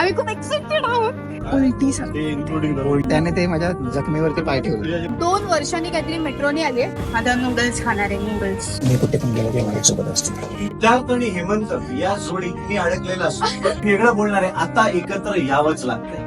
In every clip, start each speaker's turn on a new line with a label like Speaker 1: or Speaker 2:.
Speaker 1: आम्ही खूप एक्साइटेड आहोत.
Speaker 2: उलट्याने ते माझ्या जखमेवरती पाय ठेवले.
Speaker 1: 2 वर्षांनी काहीतरी मेट्रोने आले. आता नूडल्स खाणार आहे, नूडल्स.
Speaker 2: मी कुठे पण गेलो ते माझ्यासोबत असते.
Speaker 3: त्यात आणि हेमंत या जोडीत मी अडकलेला असतो. वेगळं बोलणार आहे, आता एकत्र यावंच लागतंय.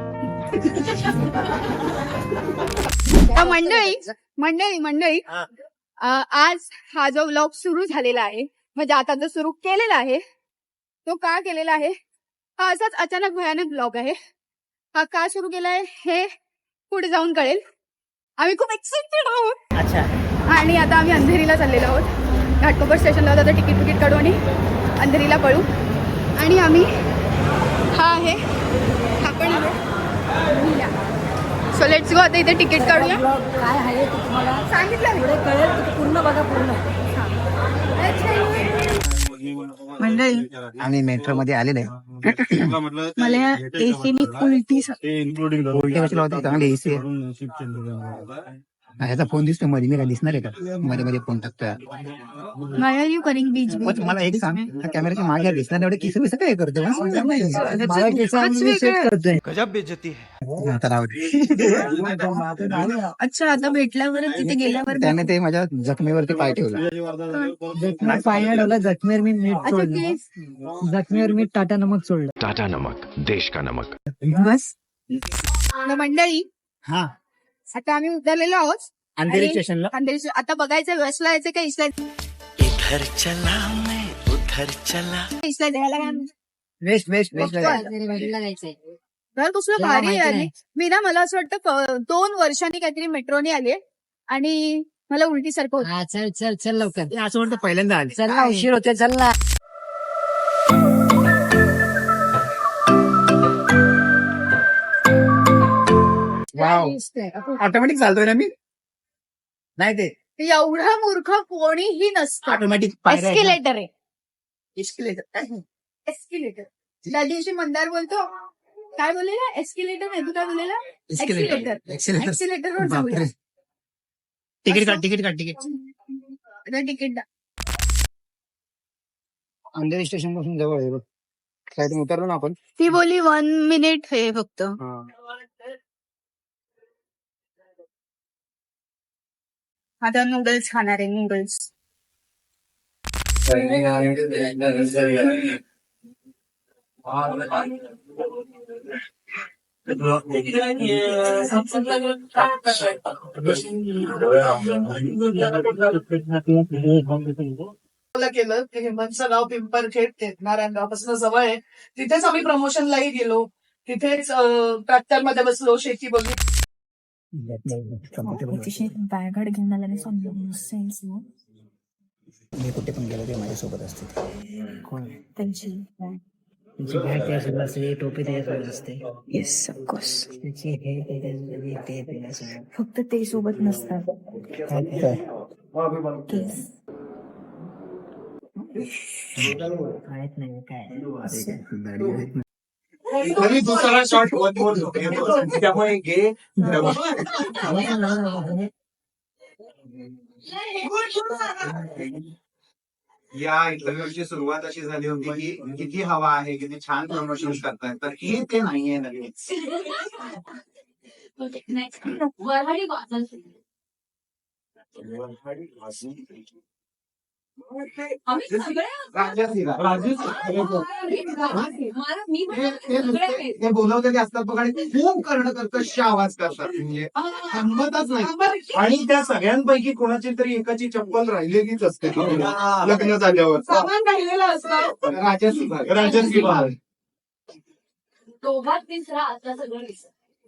Speaker 1: मंडळी मंडळी मंडळी आज हा जो व्लॉग सुरू झालेला आहे, म्हणजे आता जो सुरू केलेला आहे तो का केलेला आहे, हा असाच अचानक भयानक ब्लॉग आहे. हा का सुरू केलाय हे पुढे जाऊन कळेल. आम्ही खूप एक्साइटेड आहोत.
Speaker 2: अच्छा.
Speaker 1: आणि आता आम्ही अंधेरीला चाललेलो आहोत. घाटकोपर स्टेशनला होता तर तिकीट काढू आणि अंधेरीला पळू. आणि आम्ही हा आहे, हा पण आहे. So let's go. आता इथे तिकीट काढूया.
Speaker 4: काय आहे ते तुम्हाला
Speaker 1: सांगितलं
Speaker 4: पुढे कळेल की पूर्ण बघा पूर्ण.
Speaker 1: मंडळी
Speaker 2: आम्ही मेट्रो मध्ये आलेलो आहे.
Speaker 1: मला एसीनी उलटी
Speaker 2: उलटे कशाला होते? चांगली एसी आहे. ह्याचा फोन दिसतो मध्ये, मी काय दिसणार आहे का मध्ये मध्ये फोन टाकतोय?
Speaker 1: Why are you करिंग बीच
Speaker 2: पण मला एक सांग, त्या कॅमेऱ्याच्या मागे दिसणार एवढे किस बिस काय करतो?
Speaker 3: गजब बेइज्जती है.
Speaker 2: आता राहू दे.
Speaker 1: अच्छा, आता भेटल्यावर तिथे गेल्यावर
Speaker 2: त्याने ते माझ्या जखमेवरती पाय ठेवला.
Speaker 4: पाय ठेवला जखमेवर मी मीठ
Speaker 1: अच्छा
Speaker 4: सोडलं.
Speaker 1: ते
Speaker 4: जखमेवर मी टाटा नमक सोडलं.
Speaker 5: टाटा नमक, देश का नमक.
Speaker 1: बस. मंडळी
Speaker 2: हा,
Speaker 1: आता आम्ही उतरलेलो आहोत
Speaker 2: अंधेरी
Speaker 1: आणि
Speaker 2: स्टेशनला.
Speaker 1: अंधेरी. आता बघायचं वेस्टला यायचं का ईस्टला
Speaker 3: इधर चला मैं उधर चला.
Speaker 1: ईस्टला द्यायला काय
Speaker 2: वेस्ट वेस्ट वेस्ट
Speaker 1: घर कसलं
Speaker 4: तुला
Speaker 1: भारी
Speaker 4: माहिती
Speaker 1: आहे.
Speaker 4: नाही.
Speaker 1: मी ना, मला असं वाटतं 2 वर्षांनी काहीतरी मेट्रोने आले आणि मला उलटी सारखं होतं.
Speaker 4: हा चल चल चल लवकर.
Speaker 2: असं वाटतं पहिल्यांदा आले.
Speaker 4: चल ना, उशीर होते चल ना.
Speaker 2: ऑटोमॅटिक चालतोय ना मी? नाही ते
Speaker 1: एवढा मूर्ख कोणीही नसतं.
Speaker 2: ऑटोमॅटिक
Speaker 1: एस्केलेटर आहे,
Speaker 2: एस्केलेटर.
Speaker 1: एस्केलेटर. त्या दिवशी मंदार बोलतो, काय बोललेला? एस्केलेटर नाही, तू काय बोललेला? एक्सिलेटर. एक्सिलेटरवर जाऊया.
Speaker 2: तिकीट काढ, तिकीट काढ, तिकीट.
Speaker 1: आता तिकीट
Speaker 2: अंधेरी स्टेशन पासून जवळ आहे बघ. काय उतरलो ना आपण.
Speaker 1: ती बोली 1 मिनिट हे फक्त. आता नूडल्स खाणार आहे, नूडल्स.
Speaker 6: केलं की हेमंतचं गाव पिंपरखेड नारायणगावपासून जवळ आहे. तिथेच आम्ही प्रमोशनलाही गेलो. तिथेच ट्रॅक्टर मध्ये बसलो, शेती बघितली.
Speaker 1: बॅगड घेऊन आला नाही.
Speaker 2: मी कुठे पण गेलो ते माझ्यासोबत असते.
Speaker 1: त्यांची
Speaker 4: तुमची बॅग त्याच्यासोबत असते, टोपी त्याच्यासोबत असते.
Speaker 1: Yes, of course.
Speaker 4: त्याची हे त्याच्यासोबत, ते त्याच्यासोबत.
Speaker 1: फक्त ते सोबत नसतात. केस.
Speaker 4: माहित नाही काय.
Speaker 3: तरी दुसरा शॉट त्यामुळे घे. या इंटरव्ह्यूची सुरुवात अशी झाली होती की किती हवा आहे, किती छान प्रमोशन करतायत, तर हे ते नाहीये लगेच. ते बोलवलेले असतात बघ आणि खूप करणं कर्कश आवाज करतात, म्हणजे थांबतच नाही. आणि त्या सगळ्यांपैकी कोणाची तरी एकाची चप्पल राहिलेलीच असते लग्न झाल्यावर.
Speaker 6: सामान राहिलेलं असतं.
Speaker 3: राजसी बहार.
Speaker 7: दोघात तिसरा आता सगळं दिसत.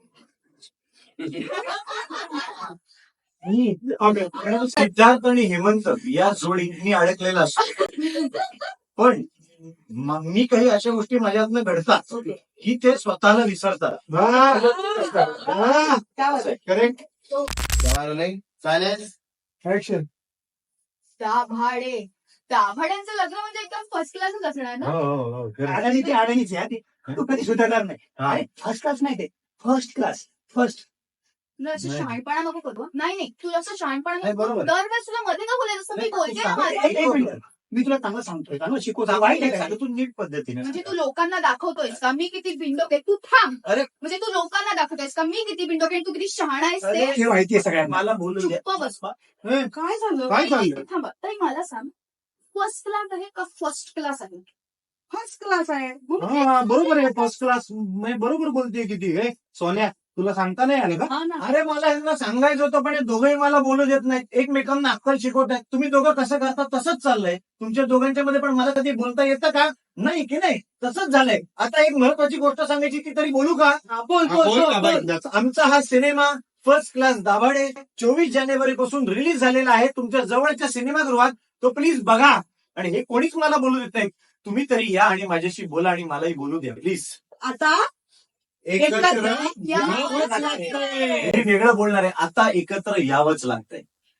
Speaker 3: सिद्धार्थ आणि हेमंत या जोडीत मी अडकलेला असतो. पण मग मी काही अशा गोष्टी माझ्यातनं घडतात की ते स्वतःला विसरतात. करेक्ट. चालेल.
Speaker 1: दाभाड्यांचं लग्न म्हणजे एकदम फर्स्ट क्लासच असणार ना.
Speaker 3: अडाणी ते अडाणीच आहे, तू कधी सुधारणार नाही. फर्स्ट क्लास नाही, ते फर्स्ट क्लास. फर्स्ट
Speaker 1: तुला असं शहाणपणा नको करू. नाही नाही, तुला असं शहाणपणा
Speaker 3: नाही,
Speaker 1: नको.
Speaker 3: बरोबर.
Speaker 1: दरवेळेस तुला मध्ये का बोलायचं असं मी बोलते ना माझं.
Speaker 2: मी तुला चांगलं सांगतोय चांगलं शिकवतो वाईट आहे का?
Speaker 3: तू नीट पद्धतीने
Speaker 1: म्हणजे
Speaker 3: सांग.
Speaker 1: तू लोकांना दाखवतोयस का मी किती बिंडोक आहे? तू थांब.
Speaker 3: अरे
Speaker 1: म्हणजे तू लोकांना दाखवतोयस का मी किती बिंडोक आहे? तू किती शहाणा आहेस ते
Speaker 2: हे माहितीये सगळ्यांना.
Speaker 3: मला बोलू द्या.
Speaker 1: चुप्प बस.
Speaker 3: हे,
Speaker 6: काय झालं
Speaker 2: काय चाललं
Speaker 1: थांबा तरी मला सांग, फर्स्ट क्लास आहे का फर्स्ट क्लास आहे?
Speaker 6: फर्स्ट क्लास आहे
Speaker 3: हा, बरोबर आहे फर्स्ट क्लास बरोबर बोलते किती हे सोन्या तुला सांगता नाही आलं का
Speaker 1: हा ना.
Speaker 3: अरे मला यांना सांगायचं होतं पण हे दोघंही मला बोलू देत नाहीत एकमेकांना अक्कल शिकवतायत तुम्ही दोघं कसं करता तसंच चाललंय तुमच्या दोघांच्या मध्ये पण मला कधी बोलता येतं का नाही की नाही तसंच झालंय आता एक महत्वाची गोष्ट सांगायची ती तरी बोलू का
Speaker 6: हा, बोल बोल बोल बोल.
Speaker 3: आमचा हा सिनेमा फर्स्ट क्लास दाभाडे 24 जानेवारी पासून रिलीज झालेला आहे तुमच्या जवळच्या सिनेमागृहात तो प्लीज बघा आणि हे कोणीच मला बोलू देत नाही तुम्ही तरी या आणि माझ्याशी बोला आणि मलाही बोलू द्या प्लीज
Speaker 6: आता
Speaker 3: एकत्र
Speaker 1: यावंच लागतंय.
Speaker 3: हे वेगळं बोलणार आहे आता एकत्र यावंच लागतंय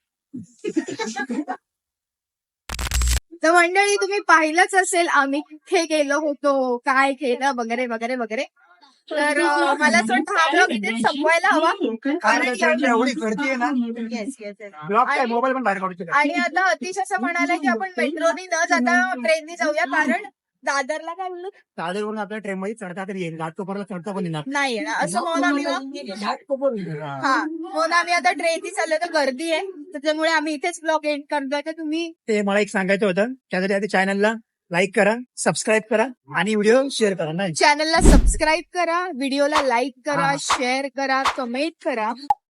Speaker 1: तर मंडळी तुम्ही पाहिलंच असेल आम्ही कुठे गेलो होतो काय केलं वगैरे वगैरे वगैरे तर मला असं वाटतं हा ब्लॉग इथे संपवायला हवा कारण या-
Speaker 2: एवढी गर्दी आहे ना
Speaker 1: Yes, yes, yes.
Speaker 2: ब्लॉक काय मोबाईल पण बाहेर काढू शकत
Speaker 1: आणि आता अतिश असं म्हणाला की आपण मेट्रोनी न जाता ट्रेननी जाऊया कारण दादरला काय बोललो
Speaker 2: दादरवरून आपल्या ट्रेन मध्ये चढता तरी येईल घाटकोपरला चढता पण येणार
Speaker 1: नाही येणार असं म्हणून आम्ही हा म्हणून आम्ही आता ट्रेननी चाललो तर गर्दी आहे त्याच्यामुळे आम्ही इथेच ब्लॉग एंड करतोय तर तुम्ही
Speaker 2: ते मला एक सांगायचं होतं त्यासाठी आधी चॅनलला लाईक करा सबस्क्राईब करा आणि व्हिडिओ शेअर करा नाही
Speaker 1: चॅनलला सबस्क्राईब करा व्हिडिओला लाईक करा शेअर करा कमेंट करा